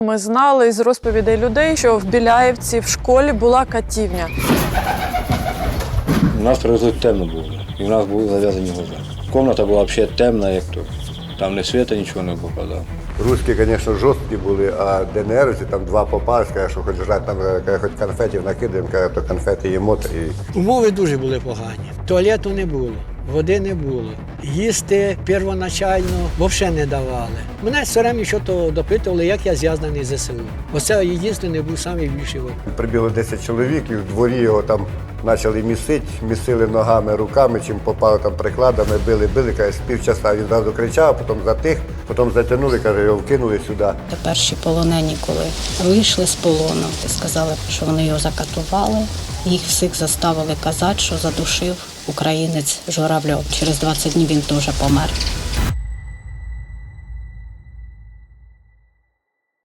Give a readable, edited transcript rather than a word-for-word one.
Ми знали із розповідей людей, що в Біляївці в школі була катівня. У нас привезли темно було, і в нас були зав'язані глаза. Кімната була взагалі темна, як то. Там ні світа, нічого не попадало. Русські, звісно, жорсткі були, а ДНРівці там два попали, сказали, що хоч жрати, там хоч конфетів накидаємо, то конфети їмо. Умови дуже були погані. Туалету не було, води не було. Їсти первоначально взагалі не давали. Мене все время щось допитували, як я зв'язаний з ЗСУ. Оце єдиний був найбільший вопрос. Прибігло 10 чоловік і в дворі його там почали місили ногами, руками, чим попали там прикладами, били, каже, з півчаса він зразу кричав, потім затих, потім затягнули, каже, його вкинули сюди. Перші полонені, коли вийшли з полону, сказали, що вони його закатували. Їх всіх заставили казати, що задушив українець Журавльов. Через 20 днів він теж помер.